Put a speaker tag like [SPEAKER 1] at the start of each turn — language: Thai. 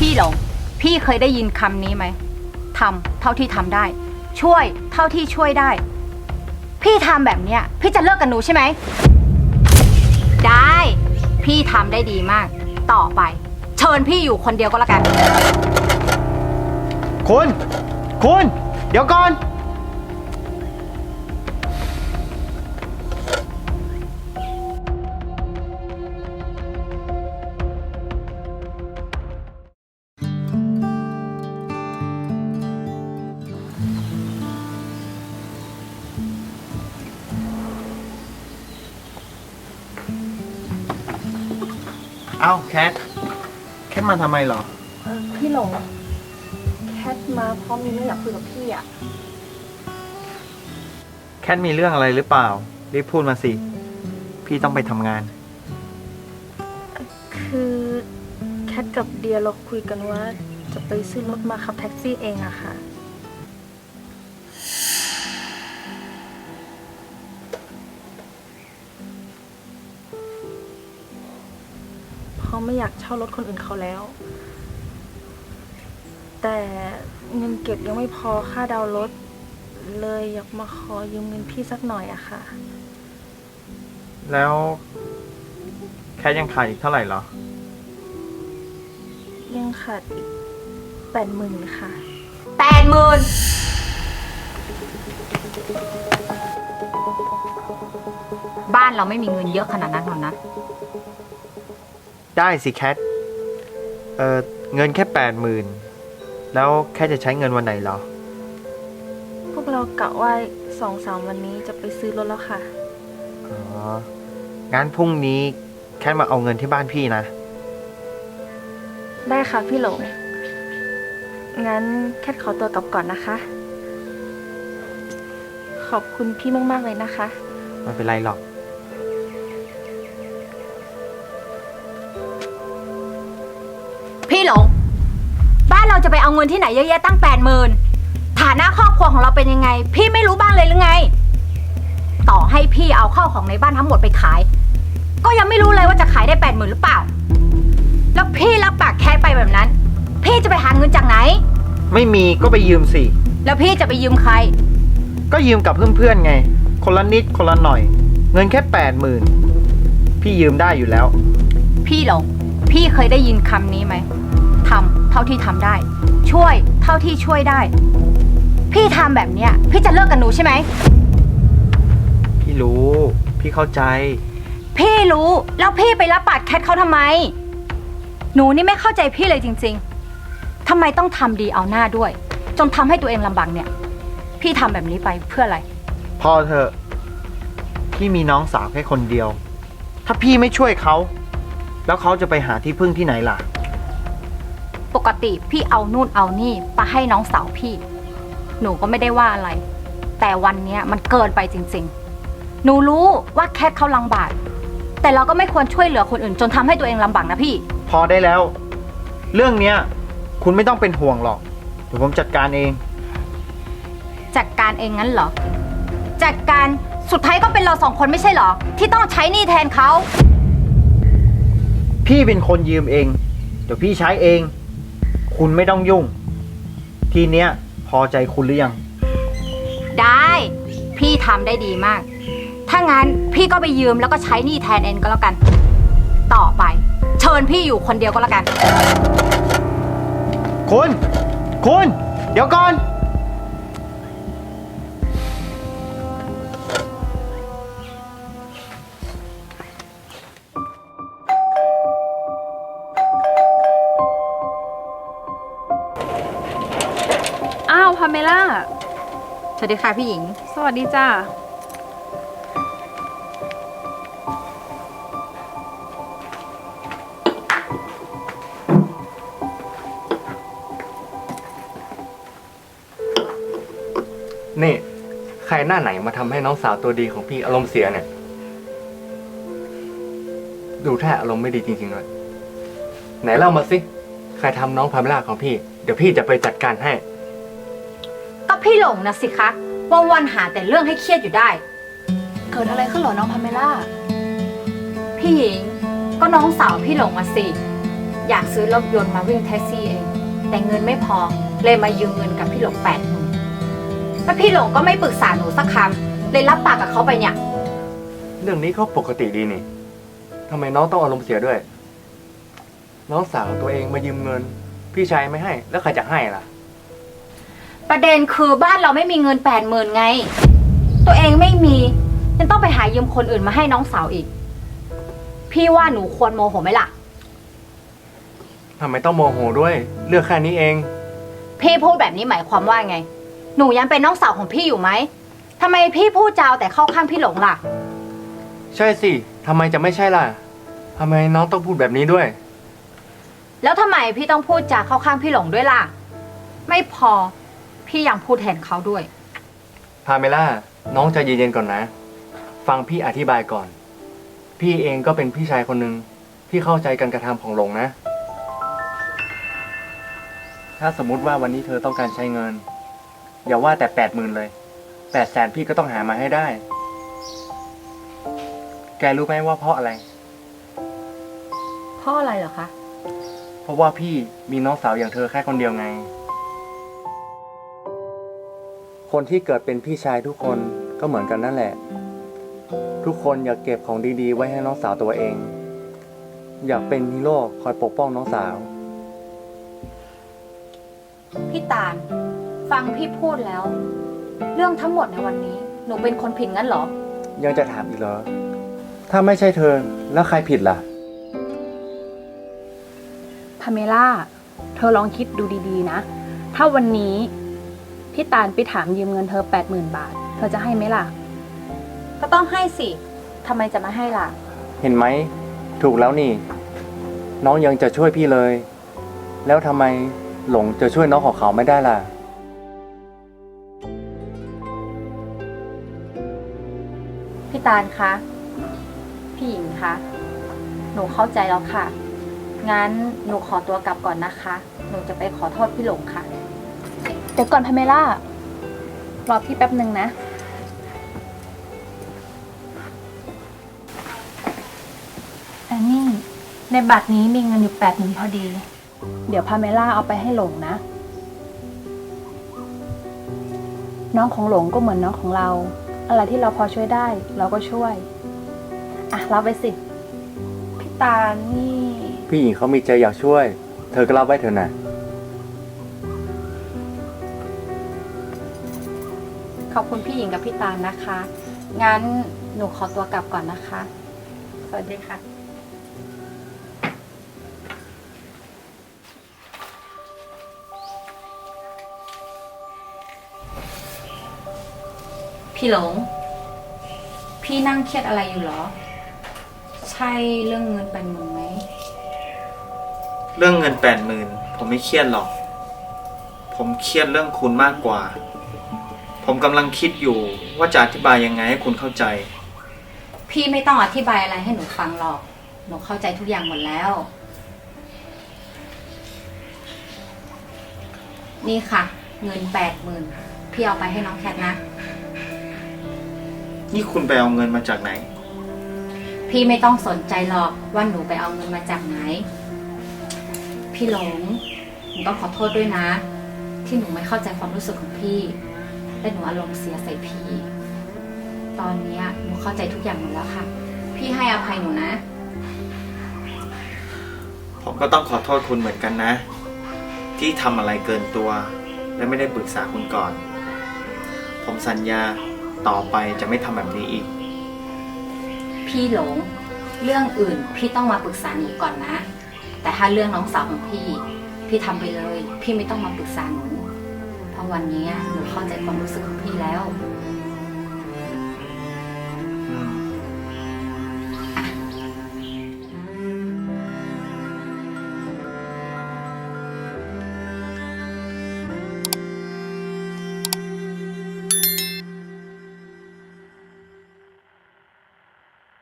[SPEAKER 1] พี่หลงพี่เคยได้ยินคำนี้ไหมทำเท่าที่ทำได้ ช่วยเท่าที่ช่วยได้ พี่ทำแบบเนี้ยพี่จะเลิกกับหนูใช่ไหมได้พี่ทำได้ดีมากต่อไปเชิญพี่อยู่คนเดียวก็แล้วกัน
[SPEAKER 2] คุณเดี๋ยวก่อนเอ้าแคทมาทำไมเหรอ
[SPEAKER 3] พี่หลงแคทมาเพราะมีเรื่องอยากคุยกับพี่อะ
[SPEAKER 2] แคทมีเรื่องอะไรหรือเปล่ารีบพูดมาสิพี่ต้องไปทำงาน
[SPEAKER 3] คือแคทกับเดียเราคุยกันว่าจะไปซื้อรถมาขับแท็กซี่เองอะค่ะเพราะไม่อยากเช่ารถคนอื่นเขาแล้ว แต่เงินเก็บยังไม่พอค่าดาวน์รถเลยอยากมาขอยืมเงินพี่สักหน่อยอะค่ะ
[SPEAKER 2] แล้วแคทยังขาดอีกเท่าไหร่เหรอ
[SPEAKER 3] ยังขาดอีก80,000ค่ะ
[SPEAKER 1] 80,000บ้านเราไม่มีเงินเยอะขนาดนั้นหรอกนะ
[SPEAKER 2] ได้สิแคทเงินแค่80,000แล้วแค่จะใช้เงินวันไหนเหรอ
[SPEAKER 3] พวกเรากะว่า2-3 วันนี้จะไปซื้อรถแล้วค่ะ
[SPEAKER 2] อ๋อ งั้นพรุ่งนี้แค่มาเอาเงินที่บ้านพี่นะ
[SPEAKER 3] ได้ค่ะพี่หลง งั้นแคทขอตัวกลับก่อนนะคะ ขอบคุณพี่มากๆเลยนะคะ
[SPEAKER 2] ไม่เป็นไรหรอก
[SPEAKER 1] พี่หลงบ้านเราจะไปเอาเงินที่ไหนเยอะแยะตั้ง80,000ฐานะครอบครัวของเราเป็นยังไงพี่ไม่รู้บ้างเลยหรือไงต่อให้พี่เอาข้าวของในบ้านทั้งหมดไปขายก็ยังไม่รู้เลยว่าจะขายได้80,000หรือเปล่าแล้วพี่รับปากแค่ไปแบบนั้นพี่จะไปหาเงินจากไหน
[SPEAKER 2] ไม่มีก็ไปยืมสิ
[SPEAKER 1] แล้วพี่จะไปยืมใคร
[SPEAKER 2] ก็ยืมกับเพื่อนๆไง คนละนิดคนละหน่อย เงินแค่80,000พี่ยืมได้อยู่แล้ว
[SPEAKER 1] พี่หลงพี่เคยได้ยินคำนี้ไหมทำเท่าที่ทำได้ ช่วยเท่าที่ช่วยได้พี่ทำแบบเนี้ยพี่จะเลิกกับหนูใช่ไหม
[SPEAKER 2] พี่รู้ พี่เข้าใจ
[SPEAKER 1] พี่รู้แล้วพี่ไปรับปากแคทเขาทำไมหนูนี่ไม่เข้าใจพี่เลยจริงๆทำไมต้องทำดีเอาหน้าด้วยจนทำให้ตัวเองลำบากเนี่ยพี่ทำแบบนี้ไปเพื่ออะไร
[SPEAKER 2] พอเถอะพี่มีน้องสาวแค่คนเดียวถ้าพี่ไม่ช่วยเขาแล้วเขาจะไปหาที่พึ่งที่ไหนล่ะ
[SPEAKER 1] ปกติพี่เอานู่นเอานี่ไปให้น้องสาวพี่หนูก็ไม่ได้ว่าอะไรแต่วันนี้มันเกินไปจริงๆหนูรู้ว่าแคทเขาลำบากแต่เราก็ไม่ควรช่วยเหลือคนอื่นจนทำให้ตัวเองลำบากนะพี่
[SPEAKER 2] พอได้แล้วเรื่องเนี้ยคุณไม่ต้องเป็นห่วงหรอกเดี๋ยวผมจัดการเอง
[SPEAKER 1] จัดการเองงั้นเหรอจัดการสุดท้ายก็เป็นเรา2 คนไม่ใช่เหรอที่ต้องใช้หนี้แทนเขา
[SPEAKER 2] พี่เป็นคนยืมเองเดี๋ยวพี่ใช้เองคุณไม่ต้องยุ่งทีเนี้ยพอใจคุณหรือยัง
[SPEAKER 1] ได้พี่ทำได้ดีมากถ้างั้นพี่ก็ไปยืมแล้วก็ใช้หนี้แทนเองก็แล้วกันต่อไปเชิญพี่อยู่คนเดียวก็แล้วกัน
[SPEAKER 2] คุณเดี๋ยวก่อน
[SPEAKER 3] อ้าวพาเมล่า
[SPEAKER 1] สวัสดีค่ะพี่หญิง
[SPEAKER 3] สวัสดีจ้า
[SPEAKER 4] นี่ใครหน้าไหนมาทำให้น้องสาวตัวดีของพี่อารมณ์เสียเนี่ยดูแท้อารมณ์ไม่ดีจริงๆเลยไหนเล่ามาสิใครทำน้องพาเมล่าของพี่เดี๋ยวพี่จะไปจัดการให้
[SPEAKER 1] ก็พี่หลงนะสิคะวันๆหาแต่เรื่องให้เครียดอยู่ได้
[SPEAKER 3] เกิดอะไรขึ้นหรอน้องพาเมล่า
[SPEAKER 1] พี่หญิงก็น้องสาวพี่หลงมาสิอยากซื้อรถยนต์มาวิ่งแท็กซี่เองแต่เงินไม่พอเลยมายืมเงินกับพี่หลง80,000แล้วพี่หลงก็ไม่ปรึกษาหนูสักคำเลยรับปากกับเขาไปเนี่ย
[SPEAKER 4] เรื่องนี้ก็ปกติดีนี่ทำไมน้องต้องอารมณ์เสียด้วย น้องสาวตัวเองมายืมเงิน พี่ชายไม่ให้ แล้วใครจะให้ล่ะ
[SPEAKER 1] ประเด็นคือบ้านเราไม่มีเงิน80,000ไง ตัวเองไม่มียังต้องไปหายืมคนอื่นมาให้น้องสาวอีก พี่ว่าหนูควรโมโหไหมล่ะ
[SPEAKER 4] ทำไมต้องโมโหด้วย เรื่องแค่นี้เอง
[SPEAKER 1] พี่พูดแบบนี้หมายความว่าไง หนูยังเป็นน้องสาวของพี่อยู่ไหมทำไมพี่พูดจาวแต่เข้าข้างพี่หลงล่ะ
[SPEAKER 4] ใช่สิทำไมจะไม่ใช่ล่ะทำไมน้องต้องพูดแบบนี้ด้วย
[SPEAKER 1] แล้วทำไมพี่ต้องพูดจาเข้าข้างพี่หลงด้วยล่ะ ไม่พอพี่ยังพูดแทนเขาด้วย
[SPEAKER 4] พาเมล่า น้องใจเย็นๆก่อนนะ ฟังพี่อธิบายก่อน พี่เองก็เป็นพี่ชายคนหนึ่งที่เข้าใจการกระทำของหลงนะ ถ้าสมมุติว่าวันนี้เธอต้องการใช้เงิน อย่าว่าแต่80,000เลย800,000พี่ก็ต้องหามาให้ได้ แกรู้ไหมว่าเพราะอะไร
[SPEAKER 1] เพราะอะไรเหรอคะ
[SPEAKER 4] เพราะว่าพี่มีน้องสาวอย่างเธอแค่คนเดียวไง คนที่เกิดเป็นพี่ชายทุกคนก็เหมือนกันนั่นแหละ ทุกคนอยากเก็บของดีๆไว้ให้น้องสาวตัวเอง อยากเป็นฮีโร่คอยปกป้องน้องสาว
[SPEAKER 1] พี่ตาลฟังพี่พูดแล้ว เรื่องทั้งหมดในวันนี้ หนูเป็นคนผิดงั้นเหรอ
[SPEAKER 4] ยังจะถามอีกเหรอ ถ้าไม่ใช่เธอแล้วใครผิดล่ะ
[SPEAKER 3] พาเมล่า เธอลองคิดดูดีๆนะ ถ้าวันนี้พี่ตาลไปถามยืมเงินเธอ80,000 บาท เธอจะให้ไหมล่ะ
[SPEAKER 1] ก็ต้องให้สิทำไมจะไม่ให้ล่ะ
[SPEAKER 4] เห็นไหม ถูกแล้วนี่ น้องยังจะช่วยพี่เลย แล้วทำไมหลงจะช่วยน้องของเขาไม่ได้ล่ะ
[SPEAKER 1] พี่ตาลคะ พี่หญิงคะ หนูเข้าใจแล้วค่ะ งั้นหนูขอตัวกลับก่อนนะคะ หนูจะไปขอโทษพี่หลงค่ะ
[SPEAKER 3] เดี๋ยวก่อนพาเมล่ารอพี่แป๊บหนึ่งนะ อันนี้ในบัตรนี้มีเงินอยู่80,000พอดี เดี๋ยวพาเมล่าเอาไปให้หลงนะ น้องของหลงก็เหมือนน้องของเรา อะไรที่เราพอช่วยได้ เราก็ช่วย อ่ะรับไปสิ พี่ตาลนี่
[SPEAKER 4] พี่หญิงเขามีใจอยากช่วย เธอก็รับไว้เถอะนะ
[SPEAKER 1] ขอบคุณพี่หญิงกับพี่ตาลนะคะ งั้นหนูขอตัวกลับก่อนนะคะ สวัสดีค่ะ พี่หลง พี่นั่งเครียดอะไรอยู่เหรอ ใช่เรื่องเงิน80,000ไหม
[SPEAKER 2] เรื่องเงิน80,000ผมไม่เครียดหรอก ผมเครียดเรื่องคุณมากกว่า ผมกำลังคิดอยู่ว่าจะอธิบายยังไงให้คุณเข้าใจ
[SPEAKER 1] พี่ไม่ต้องอธิบายอะไรให้หนูฟังหรอก หนูเข้าใจทุกอย่างหมดแล้ว นี่ค่ะ เงิน80,000พี่เอาไปให้น้องแคทนะ
[SPEAKER 2] นี่คุณไปเอาเงินมาจากไหน
[SPEAKER 1] พี่ไม่ต้องสนใจหรอกว่าหนูไปเอาเงินมาจากไหน พี่หลง หนูต้องขอโทษด้วยนะ ที่หนูไม่เข้าใจความรู้สึกของพี่ และหนูอารมณ์เสียใส่พี่ ตอนนี้หนูเข้าใจทุกอย่างหมดแล้วค่ะ พี่ให้อภัยหนูนะ
[SPEAKER 2] ผมก็ต้องขอโทษคุณเหมือนกันนะ ที่ทำอะไรเกินตัว และไม่ได้ปรึกษาคุณก่อน ผมสัญญาต่อไปจะไม่ทำแบบนี้อีก
[SPEAKER 1] พี่หลง เรื่องอื่นพี่ต้องมาปรึกษาหนูก่อนนะ แต่ถ้าเรื่องน้องสาวของพี่ พี่ทำไปเลย พี่ไม่ต้องมาปรึกษาหนู เพราะวันนี้หนูเข้าใจความรู้สึกของพี่แล้ว
[SPEAKER 2] อืม